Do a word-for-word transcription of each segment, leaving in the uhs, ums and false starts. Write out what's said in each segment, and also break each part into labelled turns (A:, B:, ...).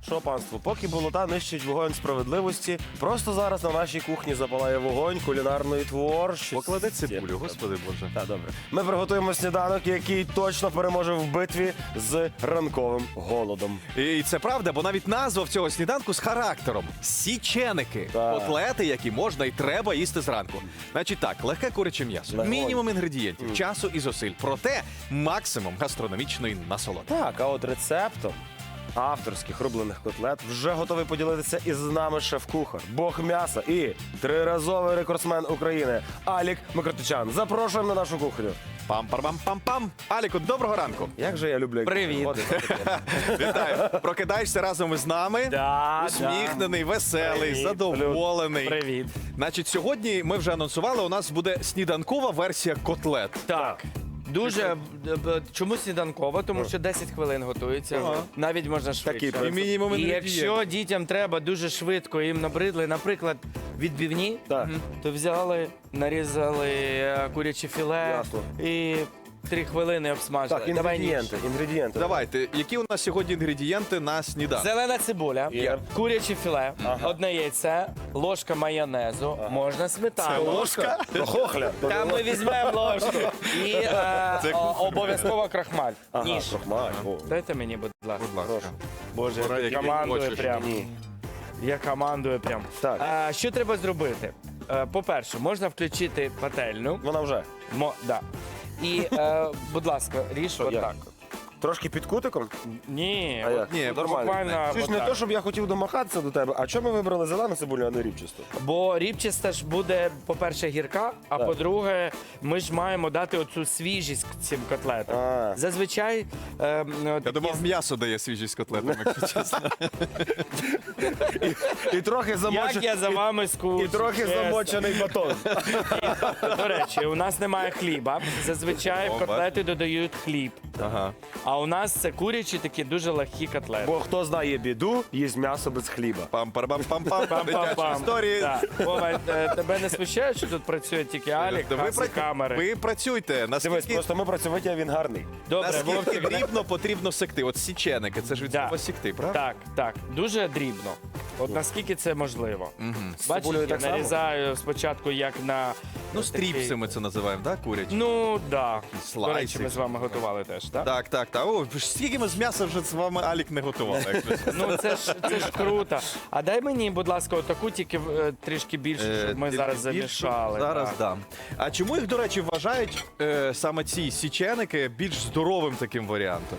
A: Що, панство, поки болота нищить вогонь справедливості, просто зараз на нашій кухні запалає вогонь кулінарної творчості.
B: Поклади цибулю, господи Боже.
A: Так, добре. Ми приготуємо сніданок, який точно переможе в битві з ранковим голодом.
B: І це правда, бо навіть назва в цього сніданку з характером. Січеники.
A: Так.
B: Котлети, які можна і треба їсти зранку. Значить так, легке куряче м'ясо.
A: Легонь.
B: Мінімум інгредієнтів, часу і зусиль. Проте максимум гастрономічної насолоди.
A: Так, а от рецептом авторських рублених котлет вже готовий поділитися із нами шеф-кухар, бог м'яса і триразовий рекордсмен України Алік Микротичан. Запрошуємо на нашу кухню.
B: Пам-пам-пам-пам. Аліку, доброго ранку.
A: Як же я люблю, як
C: Привіт.
A: ти приходиш.
B: Вітаю. Прокидаєшся разом із нами.
C: Да,
B: Усміхнений, веселий,
C: Привіт.
B: задоволений.
C: Привіт.
B: Значить, сьогодні ми вже анонсували, у нас буде сніданкова версія котлет.
C: Так. Дуже е, б- чому сніданкова? Тому що десять хвилин готується.
B: Ага.
C: Навіть можна швидше.
A: Такий
B: І мінімум
C: І
B: інгредієнтів.
C: якщо дітям треба дуже швидко, їм набридли, наприклад, відбивні,
A: Так.
C: мгм, то взяли, нарізали е, куряче філе
A: Ясно.
C: і три хвилини обсмажили.
A: Так,
C: Давай ніж.
A: інгредієнти, інгредієнти.
B: Давайте, які у нас сьогодні інгредієнти на сніданок?
C: Зелена цибуля,
A: Є.
C: куряче філе,
A: Ага.
C: одне яйце, ложка майонезу, можна сметану.
B: Ложка?
A: До хохля.
C: Та ми візьмемо ложку. І е,
B: Це
C: о- обов'язково крахмаль.
A: Ага,
C: Ніж.
A: крохмаль. О,
C: Дайте мені, будь ласка.
B: Будь ласка.
A: Боже,
B: Пора,
A: який-
B: який
C: Командую
B: хочеш.
C: прям.
A: Ні.
C: Я командую прям.
A: Так.
C: А, що треба зробити? Е, По-перше, можна включити пательню.
A: Вона вже.
C: Мо, да. І, е, будь ласка, ріж
A: як?
C: отак.
A: Трошки під кутиком?
C: Ні,
A: А
C: от
A: як?
B: Ні,
A: Нормально.
C: буквально
A: Це ж не
C: отак.
A: то, щоб я хотів домахатися до тебе, а чому ми вибрали зелену цибулю, а не рібчасту?
C: Бо рібчаста ж буде, по-перше, гірка, а
A: Так.
C: по-друге, ми ж маємо дати оцю свіжість цим котлетам.
A: А.
C: Зазвичай е, м,
B: Я
C: такі
B: думав, м'ясо дає свіжість котлетами, якщо чесно.
A: І трохи
C: Як
A: замочений.
C: я за вами
A: І
C: скучу.
A: трохи
C: чесно.
A: замочений батон.
C: До речі, у нас немає хліба. Зазвичай
B: О,
C: в котлети додають хліб.
B: Ага.
C: А у нас це курячі такі дуже легкі котлети.
A: Бо хто знає біду, їсть м'ясо без хліба.
B: Пам-пам-пам-пам. Дитячі
C: Пам-пам-пам.
B: історії.
C: Так. Вова, е, тебе не смущає, що тут працює тільки Алік,
B: Ви,
C: Хас і
B: пра-
C: камери?
B: ви працюйте.
A: Дивись,
B: Наскільки,
A: просто ми працювати, а він гарний.
C: Добре,
B: наскільки
C: Вовчик.
B: дрібно потрібно секти? От січеники, це ж від
C: Да.
B: слова сікти, правда?
C: Так, так, дуже дрібно. От наскільки це можливо. Бачиш,
A: цибулею
C: я
A: так само?
C: нарізаю спочатку як на...
B: Ну,
C: такий-
B: стріпси ми це називаємо, так, курячі?
C: Ну, да. До речі,
B: слайсик.
C: ми з вами готували теж, так?
B: Так, так, так. О, скільки ми з м'яса вже з вами Алік не готували, якщо чесно.
C: Ну це ж це ж круто. А дай мені, будь ласка, отаку тільки е, трішки більше,
B: Е,
C: щоб ми
B: тільки
C: зараз
B: більше.
C: замішали.
B: Зараз
C: так.
B: дам. А чому їх, до речі, вважають е, саме ці січеники більш здоровим таким варіантом?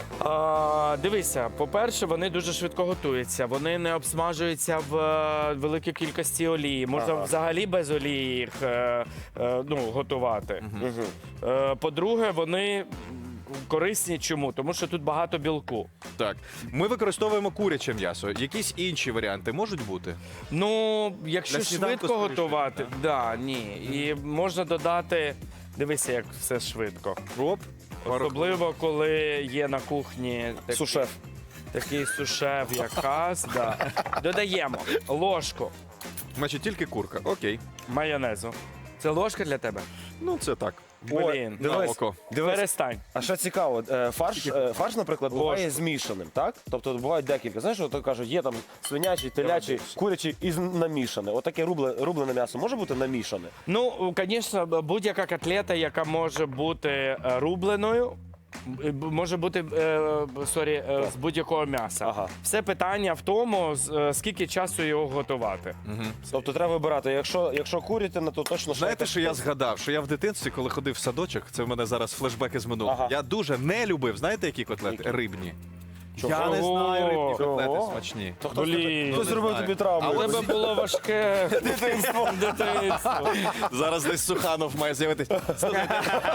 C: А, дивися, по-перше, вони дуже швидко готуються. Вони не обсмажуються в е, великій кількості олії. Можна
A: Ага.
C: взагалі без олії їх е, е, ну, готувати. Е, по-друге, вони корисні чому? Тому що тут багато білку.
B: Так. Ми використовуємо куряче м'ясо. Якісь інші варіанти можуть бути?
C: Ну, якщо
B: Для сніданку
C: швидко
B: скоріше,
C: готувати,
B: так?
C: да, ні. І можна додати. Дивися, як все швидко.
B: Оп.
C: Особливо, коли є на кухні такий,
A: Сушеф.
C: такий сушеф, як Хас. Да. Додаємо ложку
B: Значить, тільки курка. Окей.
C: майонезу. Це ложка для тебе?
B: Ну, це так.
C: Блін,
B: на
A: Дивись,
B: око.
A: дивись.
C: перестань.
A: А що цікаво, е, фарш, е, фарш, наприклад, буває
C: Ложку.
A: змішаним, так? Тобто бувають декілька. Знаєш, от кажуть, є там свинячий, телячий, курячий і з- намішане. Отаке рубле, рублене м'ясо може бути намішане?
C: Ну, звісно, будь-яка котлета, яка може бути е, рубленою, е, б- може бути е, сорі, е, з будь-якого м'яса.
A: Ага.
C: Все питання в тому, з- е, скільки часу його готувати.
A: Тобто треба вибирати, якщо, якщо курятина, то точно
B: Знаєте,
A: шайка-
B: що я згадав? Що я в дитинстві, коли ходив в садочок, це в мене зараз флешбеки з минулого.
A: Ага.
B: Я дуже не любив, знаєте, які котлети?
A: Які?
B: Рибні.
A: Чого?
B: Я не знаю, рибні котлети
A: Чого?
B: смачні.
A: То хто,
C: Блін.
A: хто зробив
B: Не
A: тобі
B: знаю.
A: травму?
C: А у тебе було важке дитинство. дитинство.
B: Зараз десь Суханов має з'явитися. Слухайте,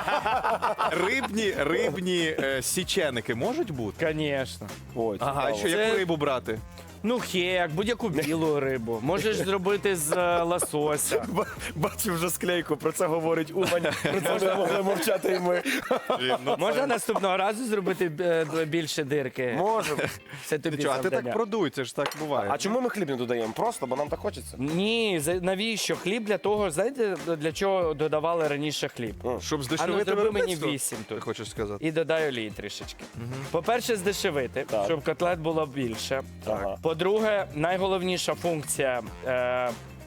B: Рибні, рибні е, січеники можуть бути?
C: Звісно.
A: Ой,
B: Ага, і
A: цікаво.
B: що,
C: Це-
B: яку рибу брати?
C: Ну, хек, будь-яку білу рибу. Можеш зробити з е, лосося.
A: Ба- Бачу вже склейку, про це говорить Умань, про це не могли мовчати і ми.
C: Можна наступного разу зробити е, більше дирки?
A: Можемо.
C: Це тобі
B: Чого, а ти
C: завдання.
B: так продуй, це ж так буває.
A: А чому ми хліб не додаємо? Просто, бо нам так хочеться.
C: Ні, за- навіщо? Хліб для того, знаєте, для чого додавали раніше хліб?
B: Щоб
C: А ну
B: здешевити
C: зроби мені
B: виробництво?
C: вісім
B: Ти
C: тут.
B: хочеш сказати?
C: І додай олії трішечки. По-перше, здешевити,
A: Так.
C: щоб котлет було більше.
A: Ага.
C: По-друге, найголовніша функція е,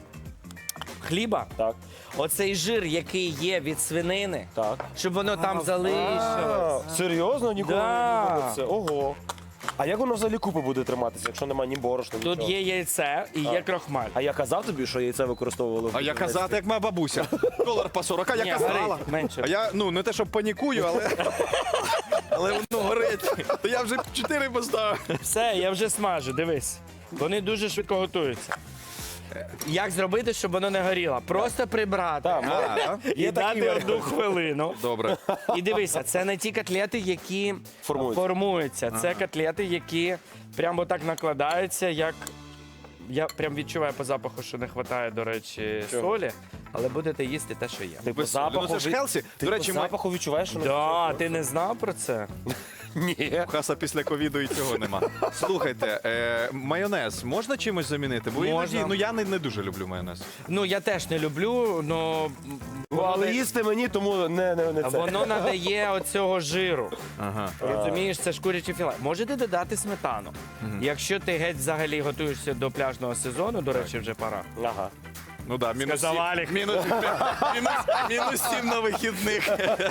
C: хліба
A: Так,
C: оцей жир, який є від свинини,
A: так.
C: щоб воно там залишилось.
A: А, серйозно? Ніколи
C: Да.
A: не думав це. Ого. А як воно взагалі купи буде триматися, якщо немає ні борошна,
C: Тут
A: нічого?
C: є яйце і є крохмаль.
A: А я казав тобі, що яйце використовували в
B: А я
A: будівництві?
B: казати, як моя бабуся. Долар по сорок, а я
C: Ні,
B: казала.
C: горить менше.
B: А я, ну, не те, щоб панікую, але... Але воно горить. То я вже чотири поставив.
C: Все, я вже смажу, дивись. Вони дуже швидко готуються. Як зробити, щоб воно не горіло? Просто прибрати
A: Так,
B: А,
C: і
A: є
C: дати
A: такі
C: одну хвилину.
B: Добре.
C: І дивися, це не ті котлети, які
A: Формуються.
C: формуються. Це котлети, які прямо так накладаються, як. Я прям відчуваю по запаху, що не вистачає, до речі,
A: Чого?
C: солі, але будете їсти те, що є.
A: Ти по
B: Ну,
A: запаху,
B: це ж
A: від-
B: Хелсі.
A: Ти
B: До
A: по
B: речі, ми...
A: запаху відчуваєш, що не
C: Да, ти не знав про це?
A: Ні.
B: Хаса після ковіду і цього нема. Слухайте, е, майонез можна чимось замінити? Бо
C: Можна.
B: іноді, ну я не, не дуже люблю майонез.
C: Ну, я теж не люблю, но
A: Ну, але їсти мені, тому не, не, не це.
C: воно надає оцього жиру.
B: Ага.
C: Розумієш, це ж куряче філе. Можете додати сметану. Якщо ти геть взагалі готуєшся до пляжного сезону, до речі, вже пора.
A: Ага.
B: Ну да, мінус
C: Сказав
B: сім,
C: Алік.
B: мінус, мінус, мінус сім на вихідних.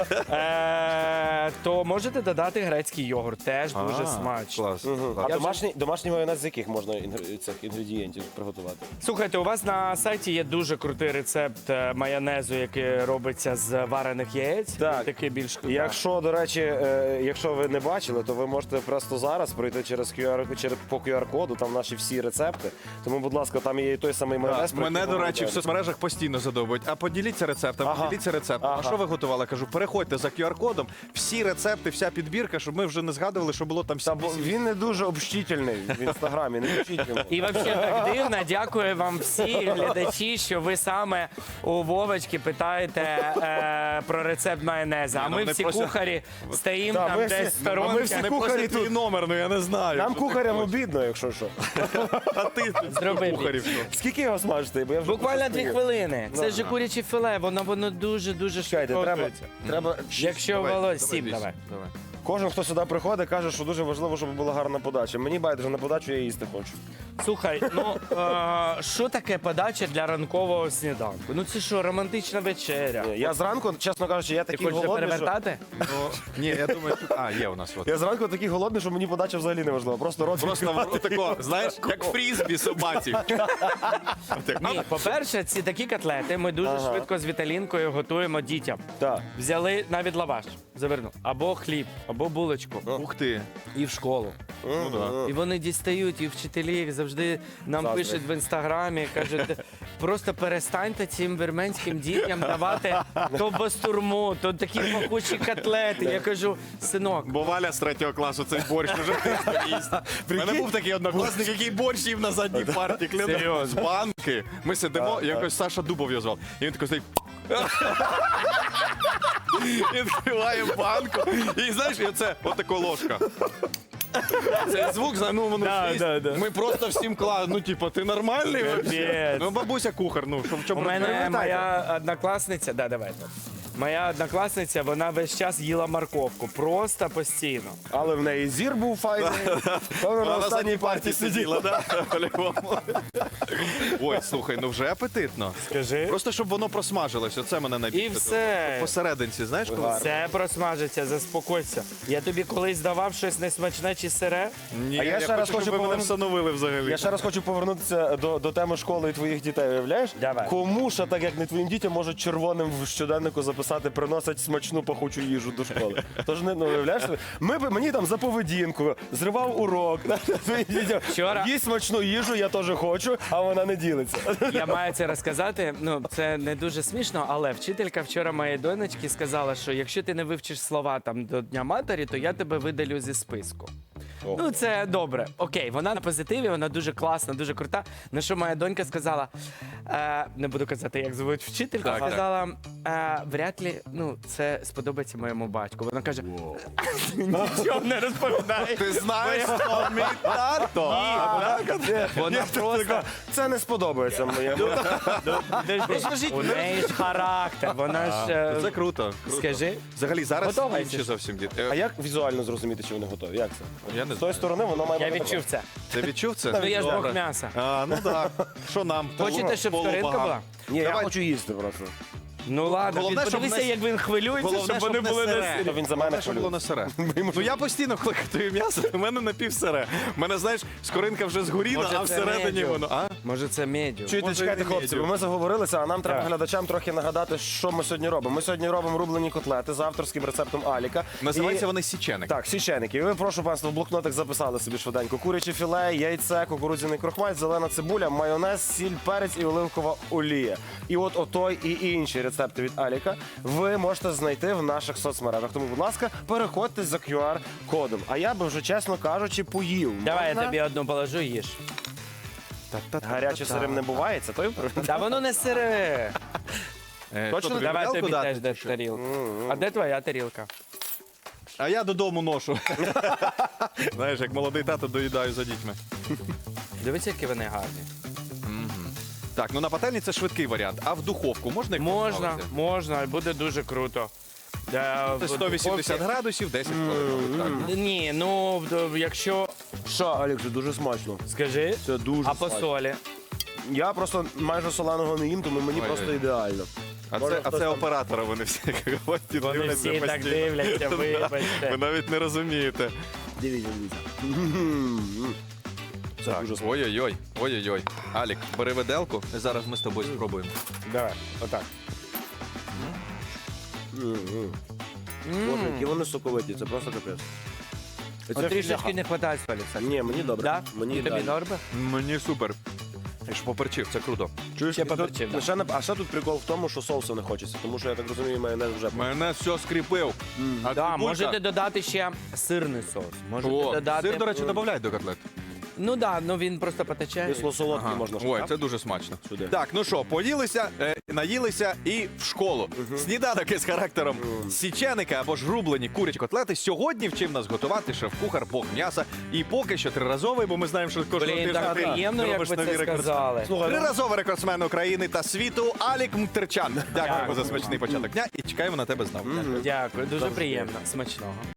C: Е, то можете додати грецький йогурт, теж дуже
B: А,
C: смачно.
B: Клас.
A: Мгм. А
B: клас.
A: домашній, домашній майонез з яких можна інгр- цих інгредієнтів приготувати?
C: Слухайте, у вас на сайті є дуже крутий рецепт е, майонезу, який робиться з варених яєць.
A: Так.
C: Він такий більш
A: Якщо, до речі, е, якщо ви не бачили, то ви можете просто зараз пройти через кю ар, через, по кю ар-коду, там наші всі рецепти. Тому, будь ласка, там є і той самий майонез. про
B: Мене,
A: який
B: до
A: ви
B: речі, в
A: говорили.
B: соцмережах постійно задовбують. А поділіться рецептом,
A: Ага.
B: поділіться рецептом.
A: Ага.
B: А що ви готували? Кажу, переходьте за кю ар-кодом, всі рецепти, вся підбірка, щоб ми вже не згадували, що було там
A: Та, бо
B: всі.
A: він не дуже общительний в інстаграмі, не пишіть йому.
C: І взагалі так дивно. Дякую вам всі глядачі, що ви саме у Вовочки питаєте е, про рецепт майонезу. А
B: Ні, ну,
C: ми
B: вони
C: всі
B: просто-
C: кухарі стоїмо
A: Та,
C: там
A: ми
C: десь
A: всі-
C: в
A: а ми
C: сторонці.
A: всі
B: Не
A: кухарі
B: просто твій
A: тут.
B: номер, ну я не знаю.
A: Нам
B: що ти
A: кухарям
B: хочеш.
A: обідно, якщо що.
B: А ти тут
C: Зроби
B: кухарів. що?
A: Скільки його смажити? Бо я вже
C: Буквально дві
A: постою.
C: хвилини. Це
A: Ну,
C: ж куряче філе, воно воно дуже дуже
A: Чекайте,
C: швидко
A: треба,
C: готується.
A: треба.
C: Якщо
B: Давай,
C: волос,
B: давай,
C: сім
B: вісім,
C: давай.
B: давай.
A: Кожен, хто сюди приходить, каже, що дуже важливо, щоб була гарна подача. Мені байдуже на подачу, я їсти хочу.
C: Слухай, ну е, що таке подача для ранкового сніданку? Ну це що, романтична вечеря?
A: Ні, Я зранку, чесно кажучи, я
C: Ти
A: такий
C: хочеш
A: голодний, що...
C: перевертати?
B: Ну, ні, я думаю, тут... А, є у нас от.
A: Я зранку такий голодний, що мені подача взагалі не важлива. Просто рот
B: Просто в рот тако, знаєш, як фрізбі собаці.
C: Ні, по-перше, ці такі котлети ми дуже
A: Ага.
C: швидко з Віталінкою готуємо дітям.
A: Так.
C: Взяли навіть лаваш, завернув, або хліб, або булочку,
B: Ух ти.
C: і в школу.
B: Ну, да.
C: І вони дістають, і вчителі завжди нам
A: Заздрять.
C: пишуть в інстаграмі, кажуть, просто перестаньте цим вірменським дітям давати то бастурму, то такі пахучі котлети. Я кажу, синок,
B: Бо Валя з третього класу цей борщ вже їсть. У мене був такий однокласник, який борщ їв на задній парті. Кляну.
C: Серйозно?
B: З банки. Ми сидимо,
A: Так,
B: якось Саша Дубов його звав. І він такий стоїть. Відкриває банку. І знаєш, і оце отако ложка. Цей звук, зна- ну воно
C: Да,
B: шість.
C: да, да.
B: Ми просто всім клали. Ну, типу, ти нормальний? вообще?
C: Капець.
B: Ну, бабуся кухар, ну, що в
C: у
B: чому
C: мене
B: проблема?
C: моя однокласниця, да, давайте. Моя однокласниця, вона весь час їла морковку, просто постійно.
A: Але в неї зір був файний. Певно, на
B: Вона на
A: останній
B: задній
A: парті
B: парті
A: сиділа.
B: сиділа, да? По-любому. Ой, слухай, ну вже апетитно.
C: Скажи.
B: Просто щоб воно просмажилось, оце мене найбільше.
C: І все.
B: Посерединці, знаєш, коли?
C: Все просмажиться, заспокойся. Я тобі колись давав щось несмачне чи сире?
B: Ні,
A: А я ще раз
B: щоб
A: хочу
B: ви мене
A: повернути-
B: встановили взагалі.
A: Я ще раз хочу повернутися до, до теми школи і твоїх дітей. Уявляєш?
C: Давай.
A: Кому ще так, як не твоїм дітям, можуть червоним в щоденнику записати, приносять смачну пахучу їжу до школи. Тож не ну, уявляєш? Ми б мені там за поведінку, зривав урок. Твоїм дітям
C: Вчора-
A: їсть смачну їжу, я теж хочу, а вона не ділиться.
C: Я маю це розказати. Ну, це не дуже смішно, але вчителька вчора моєї донечки сказала, що якщо ти не вивчиш слова там до Дня матері, то я тебе видалю зі списку.
A: Ого.
C: Ну, це добре. Окей, вона на позитиві, вона дуже класна, дуже крута. На що моя донька сказала, е, не буду казати, як звуть вчителька,
B: Так, так.
C: сказала, е, вряд ли ну, це сподобається моєму батьку. Вона каже, нічого не розповідає.
B: Ти знаєш, хто мій тато?
C: Вона просто...
A: Це не сподобається моєму.
C: У неї ж характер, вона ж... е,
B: Це круто. круто.
C: Скажи.
B: Взагалі, зараз
C: Готова
B: інші
C: йти?
B: зовсім діти.
A: А
B: Е,
A: як візуально зрозуміти, чи вони готові? Як це?
B: Я не
A: З тої
B: знаю.
A: сторони воно має
C: Я
A: бути
C: відчув це.
B: Ти відчув це?
C: Ну я ж
B: Добре.
C: бог м'яса.
B: А, ну так. Що нам?
C: Хочете, щоб
B: Полубагам.
C: скоринка була?
A: Ні, я
B: Давай.
A: хочу їсти просто.
C: Ну ладно,
B: Головне,
C: він-
B: щоб
C: подивися,
B: не-
C: як він хвилюється,
B: Головне,
C: щоб вони
B: щоб не
C: були
B: сире.
C: на
A: То він за мене
B: Головне, щоб було не
A: хвилює.
B: сире. Ну я постійно, коли готую м'ясо, у мене напівсире. У мене, знаєш, скоринка вже згоріла,
C: Може,
B: а
C: це
B: всередині
C: медіум?
B: воно. А?
C: Може, це медіум.
A: Чуєте,
B: Може,
A: чекайте,
B: і
A: хлопці,
B: медіум.
A: бо ми заговорилися, а нам треба
C: Так.
A: глядачам трохи нагадати, що ми сьогодні робимо. Ми сьогодні робимо рублені котлети за авторським рецептом Аліка.
B: Називаються
A: І-
B: вони січеник.
A: Так, січеники. І ви, прошу панство, в блокнотик записали собі швиденько. Куряче філе, яйце, кукурудзяний крохмаль, зелена цибуля, майонез, сіль, перець і оливкова олія. І от отой і інші рецепти від Аліка ви можете знайти в наших соцмережах. Тому, будь ласка, переходьте за ку ар-кодом. А я би вже, чесно кажучи, поїв.
C: Давай я
A: Можна?
C: тобі одну положу, їж.
A: Гаряче сирим не буває, це той?
C: Та воно не сире.
B: Е,
A: Точно?
B: що тобі,
C: Давай
B: тарілку
C: тобі
B: дати,
C: теж
B: чи
C: дати
B: що?
C: тарілку. А де твоя тарілка?
B: А я додому ношу. Знаєш, як молодий тато доїдаю за дітьми.
C: Дивись, які вони гарні.
B: Так, ну на пательні це швидкий варіант. А в духовку можна їх
C: Можна,
B: поставити?
C: можна, буде дуже круто. Е, в
B: Це сто вісімдесят
C: духовці-
B: градусів, десять хвилин. Так.
C: Ні, ну в- якщо.
A: Що, Алік, це дуже смачно.
C: Скажи,
A: Це дуже
C: а по
A: смачно.
C: солі?
A: Я просто майже соленого не їм, тому мені
B: Ой-ой.
A: просто ідеально.
B: А
A: Може,
B: це, а
A: хтось
B: це
A: там-
B: оператора вони всі говорять,
C: Вони
B: дивляться
C: всі так
B: постійно.
C: дивляться,
B: Ви
C: вибачте.
B: навіть не розумієте.
A: Дивіться, дивіться. Це
B: Так,
A: дуже смачно.
B: ой-ой-ой, ой-ой-ой. Алік, бери виделку, і зараз ми з тобою спробуємо.
C: Давай, отак.
A: Боже, які вони соковиті, це просто капець. І
C: От
A: це
C: трішечки
A: філяха.
C: не вистачає солі, кстати.
A: Ні, мені добре.
C: Да?
A: Мені
C: І тобі
A: ідеально.
C: добре?
B: Мені супер. Я ж поперчив, це круто.
A: Чуєш,
C: Ще
A: і тут
C: поперчив, да.
A: лише не- а ще тут прикол в тому, що соусу не хочеться, тому що я так розумію, майонез вже.
B: Мене все скріпив. А
C: Да,
B: цибулька-
C: можете додати ще сирний соус. Можете
B: О,
C: додати.
B: сир, до речі, додають до котлет.
C: Ну так, да, ну він просто потече.
A: Кисло солодкий можна.
B: Ой,
A: так?
B: це дуже смачно.
A: Сюди.
B: Так, ну що, поїлися, е, наїлися і в школу. Сніданок із характером січеника або ж рублені курячі котлети. Сьогодні вчив нас готувати шеф-кухар Бог м'яса. І поки що триразовий, бо ми знаємо, що кожного
C: Блін,
B: тижня
C: так
B: ти
C: приємно, як
B: робиш
C: ви
B: нові
C: це
B: рекорди.
C: сказали.
A: Слухай, ну,
B: Триразовий рекордсмен України та світу Алік Мтерчан. Дякуємо за смачний початок дня і чекаємо на тебе знову.
C: Дякую, дуже приємно. Смачного.